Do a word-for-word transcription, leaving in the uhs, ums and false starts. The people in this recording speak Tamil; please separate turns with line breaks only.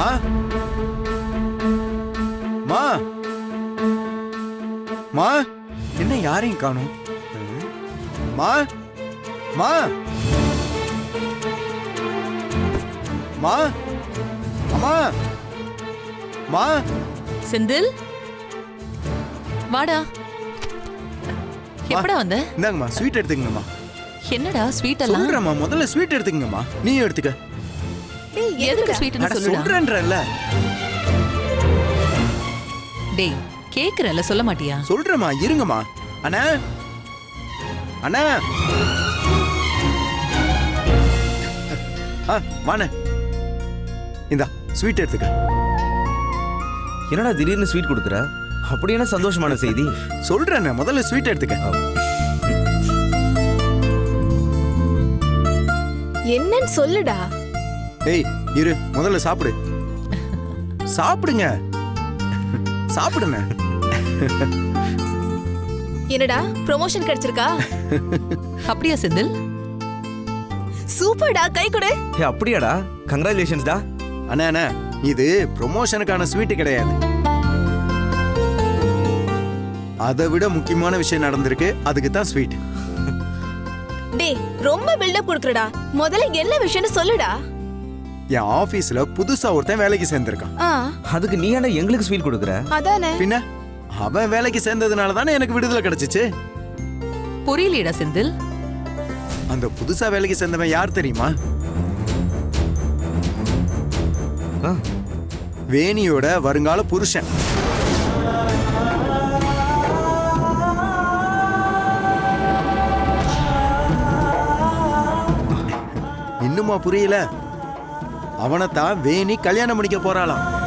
மா மா மா என்ன யாரையும் காணும்? மா மா மா அம்மா மா
செந்தில் வாடா. எப்படா வந்த?
இந்தாங்கம்மா ஸ்வீட் எடுத்துக்கங்கம்மா.
என்னடா ஸ்வீட் எல்லாம்?
சொல்றேம்மா முதல்ல ஸ்வீட் எடுத்துக்கங்கம்மா. நீ எடுத்துக்க.
டேய்
எதுக்கு ஸ்வீட்னு
அட
சொல்லுடா.
சொல்றேன்றல்ல.
டேய் கேக்குறல சொல்ல மாட்டியா?
சொல்றேம்மா இருங்கம்மா. அண்ணா அண்ணா ஆ வாண்ணே. இந்தா ஸ்வீட் எடுத்துக்க.
என்னடா திடீர்னு ஸ்வீட் கொடுக்குற? அப்படி என்ன சந்தோஷமான செய்தி?
சொல்றேண்ணே முதல்ல ஸ்வீட் எடுத்துக்க.
என்னன்னு சொல்லுடா.
ஏய் இரு முதல்ல சாப்பிடு. சாப்பிடுங்க சாப்பிடுங்க.
என்னடா ப்ரமோஷன் கிடைச்சிருக்கா?
அப்படியா செந்தில்?
சூப்பர்டா, கை கொடு.
ஏ அப்படியாடா, கங்க்ராச்சுலேஷன்ஸ்டா.
அண்ணா அண்ணா இது ப்ரொமோஷனுக்கான ஸ்வீட் கிடையாது. அதை விட முக்கியமான விஷயம் நடந்திருக்கு, அதுக்கு தான் ஸ்வீட்.
டேய் ரொம்ப பில்டப் கொடுக்குறடா. முதல்ல என்ன விஷயம்னு சொல்லுடா.
என் ஆபீஸ்ல புதுசா ஒருத்தன் வேலைக்கு சேர்ந்திருக்கான்.
ஆ
அதுக்கு நீ ஏன்டா எங்களுக்கு ஸ்வீட் கொடுக்குற?
அதானே.
பின்ன அவன் வேலைக்கு சேர்ந்ததுனால தானே எனக்கு விடுதலை கிடைச்சிச்சு.
புரியலடா செந்தில்.
அந்த புதுசா வேலைக்கு சேர்ந்தவன் யார் தெரியுமா? வேணியோட வருங்கால புருஷன். இன்னுமா புரியல? அவனைத்தான் வேணி கல்யாணம் பண்ணிக்க போறாளாம்.